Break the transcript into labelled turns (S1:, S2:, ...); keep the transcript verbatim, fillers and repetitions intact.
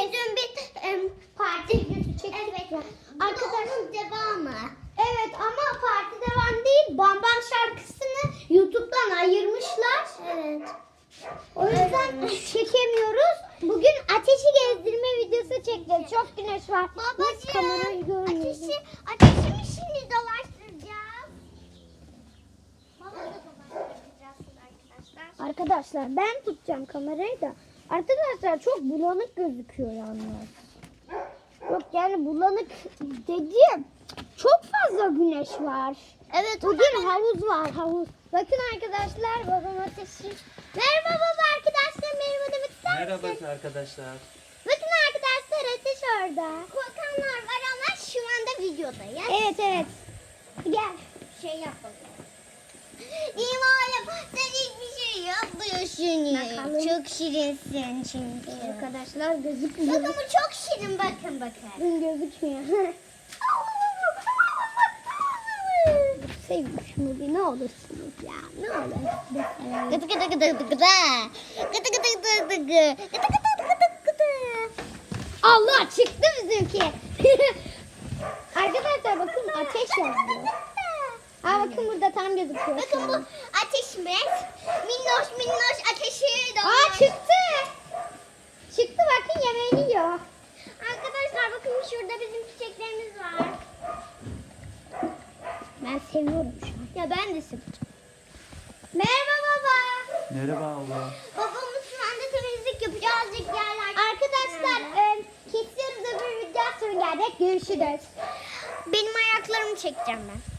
S1: Hani dün bir em, parti videosu çektik. Evet. Arkadaşın devamı. Evet ama parti devam değil. Bam Bam şarkısını YouTube'dan ayırmışlar. Evet. O yüzden
S2: Evet.
S1: çekemiyoruz. Bugün ateşi gezdirme videosu çekeceğiz. Çok güneş var. Biz kamerayı görmüyoruz.
S2: Ateşi, ateşi mi şimdi dolaştıracağız? Baba da dolaştıracağız arkadaşlar.
S1: Arkadaşlar ben tutacağım kamerayı da. Arkadaşlar çok bulanık gözüküyor yalnız. Yok yani bulanık dediğim çok fazla güneş var.
S2: Evet.
S1: Bugün havuz var havuz. Bakın arkadaşlar babam ateşi. Merhaba baba arkadaşlar merhaba demek ister misin?
S3: Merhaba arkadaşlar.
S1: Bakın arkadaşlar ateş orada.
S2: Korkanlar var ama şu anda videodayız.
S1: Evet evet. Gel.
S2: Şey yapalım. İmayım sen hiçbir şey yapmıyorsun.
S1: Bakalım.
S2: Çok şirinsin çünkü.
S1: Arkadaşlar gözükmüyor.
S2: Bakın bu çok şirin bakın bakın.
S1: Bakın gözükmüyor. Sevmiş mi? Ne olursunuz ya. Ne olur.
S2: Gıdı gıdı gıdı gıdı gıdı. Gıdı gıdı gıdı gıdı gıdı. Gıdı gıdı gıdı gıdı.
S1: Allah çıktı bizimki. Arkadaşlar bakın ateş yazıyor. Ha bakın burada tam gözüküyor.
S2: Bakın bu ateşimiz. Minnoş minnoş ateşi
S1: Aa
S2: doğmuş.
S1: çıktı. Çıktı bakın yemeğini yiyor.
S2: Arkadaşlar bakın şurada bizim çiçeklerimiz var.
S1: Ben seviyorum şu an.
S2: Ya ben de seveceğim.
S1: Merhaba baba.
S3: Merhaba abla.
S2: Babamız şu anda temizlik yapacak. Azıcık yerler.
S1: Arkadaşlar e, kesiyoruz öbür video sonra gelecek. Görüşürüz.
S2: Benim ayaklarımı çekeceğim ben.